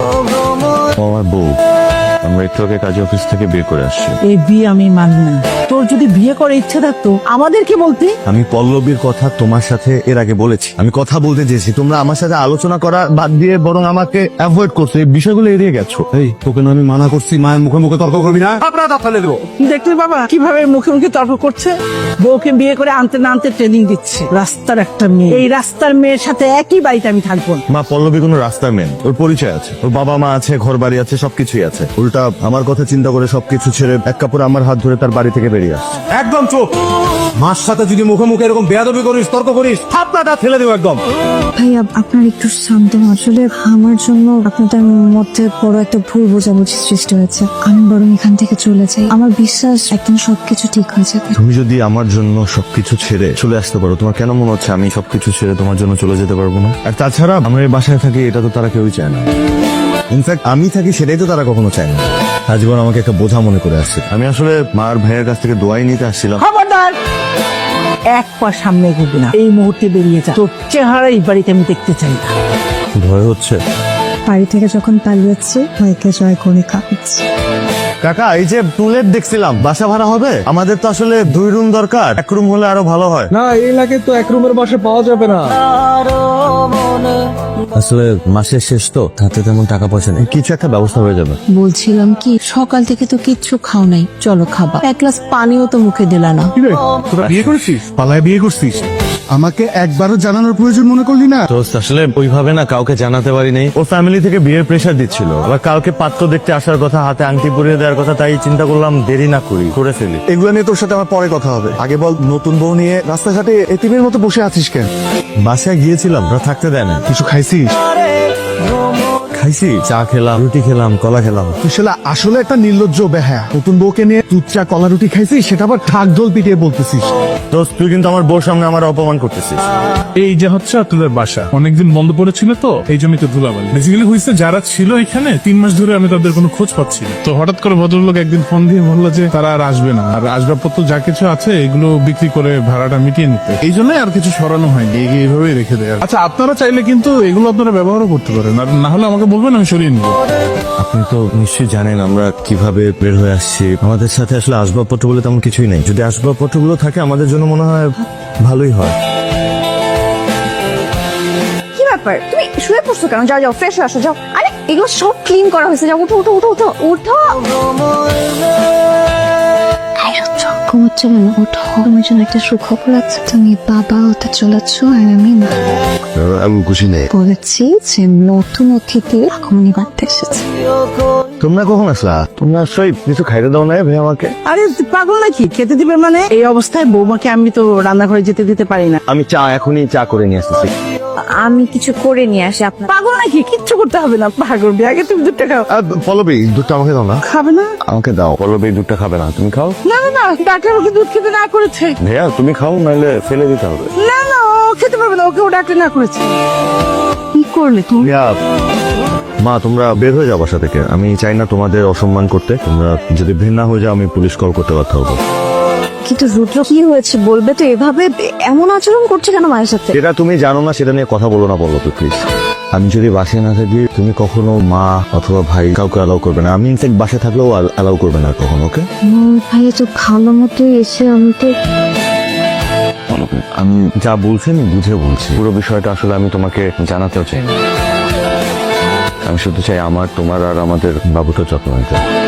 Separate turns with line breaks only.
আমার বউ, আমরা একটু আগে কাজে অফিস থেকে বের করে আসছি।
এই বিয়ে আমি মানব না। তোর যদি বিয়ে করে ইচ্ছে থাকতো আমাদের কি বলতি?
আমি পল্লবীর কথা তোমার সাথে এর আগে বলেছি। আমি কথা বলতে চেয়েছি, তোমরা আমার সাথে আলোচনা করা বাদ দিয়ে বরং আমাকে অ্যাভয়েড করছো, এই বিষয়গুলো এড়িয়ে গেছো। এই তোকে না আমি মানা করছি মায়ের মুখে মুখে তর্ক করবি না, আপনারা দাঁত ফেলে দেবো।
দেখলি বাবা কিভাবে মুখে মুখে তর্ক করছে? বউকে বিয়ে করে আনতে না আনতে ট্রেনিং দিচ্ছে। রাস্তার একটা মেয়ে, এই রাস্তার মেয়ের সাথে একই বাড়িতে আমি থাকবো না।
মা, পল্লবী কোনো রাস্তার মেন, ওর পরিচয় আছে, ওর বাবা মা আছে, ঘর বাড়ি আছে, সবকিছুই আছে। উল্টা আমার কথা চিন্তা করে সবকিছু ছেড়ে এক কাপড় আমার হাত ধরে তার বাড়ি থেকে বেরিয়ে আসছে।
একদম চুপ। মার সাথে যদি মুখে মুখে এরকম বেয়াদবি করিস, তর্ক করিস, আপনারটা ফেলে দেবো একদম।
ভাইয়া আপনার একটু শান্ত হন। আসলে আমার জন্য আপনাদের মধ্যে বড় একটা ভুল বোঝাবুঝি সৃষ্টি হয়েছে। আমি বরং এখান থেকে চলে যাই। আমার বিশ্বাস একদিন সবকিছু ঠিক হয়ে যাবে।
তুমি যদি আমার জন্য সবকিছু ছেড়ে চলে আসতে পারো, তোমার কেন মনে হচ্ছে আমি সবকিছু ছেড়ে তোমার জন্য চলে যেতে পারবো না? আর তাছাড়া আমরা এই বাসায় থাকি, এটা তো তারা কেউই চায় না। ইনফ্যাক্ট আমি থাকি সেটাই তো তারা কখনো চায় না। আজীবন আমাকে একটা বোঝা মনে করে আসছে। আমি আসলে মার ভাইয়ের কাছ থেকে দোয়াই নিতে আসছিলাম।
খবরদার, এক পা সামনে এগোবি না। এই মুহূর্তে বেরিয়ে যা। তোর চেহারা এই বাড়িতে আমি দেখতে চাই না।
ভয় হচ্ছে।
বাড়ি থেকে যখন পালিয়েছি ভাইকে জয় করে খাওয়াচ্ছি।
কাকা, এই যে টুলেট দেখছিলাম, বাসা ভাড়া হবে? আমাদের তো আসলে 2 রুম দরকার, 1 রুম হলে আরো ভালো হয়।
না, এই এলাকায় তো এক রুমের বাসা পাওয়া যাবে না।
আসলে মাসের শেষ তো, হাতে তেমন টাকা পয়সা নেই, কিছু একটা ব্যবস্থা হয়ে যাবে।
বলছিলাম কি, সকাল থেকে তো কিচ্ছু খাও নাই, চলো খাবা। এক গ্লাস পানিও তো মুখে দিলা না।
তোরা বিয়ে করছিস? পালায় বিয়ে করছিস? আমাকে একবারও জানানোর প্রয়োজন মনে করলি না?
তো আসলে ওইভাবে না কাউকে জানাতে পারি নাই। ওর ফ্যামিলি থেকে বিয়ের প্রেশার দিচ্ছিল, আবার কালকে পাত্র দেখতে আসার কথা, হাতে আংটি পরিয়ে দেওয়ার কথা, তাই চিন্তা করলাম দেরি না করি, করে ফেলি।
এগুলো নিয়ে তোর সাথে আমার পরে কথা হবে। আগে বল, নতুন বউ নিয়ে রাস্তাঘাটে এতিমের মতো বসে আছিস কেন?
বাসায় গিয়েছিলাম, ওরা থাকতে দেয় না।
কিছু খাইছিস?
খাইছি, চা খেলাম, রুটি খেলাম, কলা খেলাম।
তুই শালা আসলে একটা নির্লজ্জ বেহায়া। নতুন বউকে নিয়ে দুধ চা কলা রুটি খাইছিস, সেটা আবার ঠাক ঢোল পিটিয়ে বলতেছিস।
দোস্ত, তুই কিন্তু আমার বউর সামনে আমার অপমান করতেছিস।
এই যে হচ্ছে আপনাদের বাসা অনেকদিন বন্ধ পড়েছিল, তো এই জন্যই তো ধুলাবালি। বেসিক্যালি হয়েছে, যারা ছিল এখানে 3 মাস ধরে আমি তাদের কোনো খোঁজ পাচ্ছি না। তো হঠাৎ করে ভদ্রলোক একদিন ফোন দিয়ে বললো যে তারা আর আসবে না, আর আসবাবপত্র যা কিছু আছে এগুলো বিক্রি করে ভাড়াটা মিটিয়ে নিতে। এই জন্যই আর কিছু সরানো হয়নি, এইভাবেই রেখে দেয়। আচ্ছা, আপনারা চাইলে কিন্তু এগুলো আপনারা ব্যবহারও করতে পারেন, আর না হলে আমাকে বলবেন, আমি সরিয়ে নিবো।
আপনি তো নিশ্চয়ই জানেন আমরা কিভাবে বের হয়ে আসছি। আমাদের সাথে আসলে আসবাবপত্র বলে তেমন কিছুই নেই। যদি আসবাবপত্রগুলো থাকে আমাদের জন্য মনে হয় ভালোই হয়।
কি ব্যাপার, তুমি শুয়ে পড়ছো কেন? যাও যাও, ফ্রেশ হয়ে আসো, যাও। আরে এগুলো সব ক্লিন করা হয়েছে, যাও, উঠো উঠো উঠো উঠো উঠো।
ঘুমোচ্ছে কেন? ওঠো, তোমার জন্য একটা সুখবর আছে। তুমি বাবা হতে চলেছ আর আমি মা।
আমি খুশি নেই।
বলেছি যে নতুন অতিথি আগমনী বাড়তে এসেছে।
তোমরা কখন আসলা? তোমরা আসলে কিছু খাইতে দাও না ভাই আমাকে?
আরে তুই পাগল নাকি? খেতে দিবে মানে? এই অবস্থায় বৌমাকে আমি তো রান্নাঘরে যেতে দিতে পারি না।
আমি এখনই চা করে নিয়ে আসতেছি।
আমি কিছু করে নিয়ে আসি আপনার।
পাগল নাকি? কিচ্ছু করতে হবে না, পাগল। আগে তুমি দুধটা খাও।
পল্লবী, দুধটা আমাকে দাও না।
খাবে না?
আমাকে দাও। পল্লবী দুধটা খাবে না, তুমি খাও।
না না না, ডাক্তার ওকে দুধ খেতে না করেছে।
ভাইয়া তুমি খাও, নাহলে ফেলে দিতে হবে।
না না, ও খেতে পারবে না, ওকে ও ডাক্তার না করেছে। কি করলে তুমি?
ভাইয়া, মা তোমরা বের হয়ে যাও বাসা থেকে। আমি চাই না তোমাদের অসম্মান করতে। তোমরা যদি ঘৃণা হয়ে যাও আমি পুলিশ কল করতে বাধ্য হবো।
কিন্তু রুদ্র, কি হয়েছে বলবে তো? এভাবে এমন আচরণ করছে কেন মায়ের সাথে?
যেটা তুমি জানো না সেটা নিয়ে কথা বলো না, বলো তো প্লিজ। আমি যদি বাসায় না থাকি তুমি কখনো মা অথবা ভাই কাউকে অ্যালাউ করবে না। আমি ইনফ্যাক্ট বাসায় থাকলেও অ্যালাউ করবে না কখনো, ওকে?
ভাইয়া তো ভালো মতো এসে আমাকে।
আমি যা বলছি আমি বুঝে বলছি। পুরো বিষয়টা আসলে আমি তোমাকে জানাতেও চাই না। আমি শুধু চাই আমার, তোমার আর আমাদের বাবুটার যত্ন নিতে।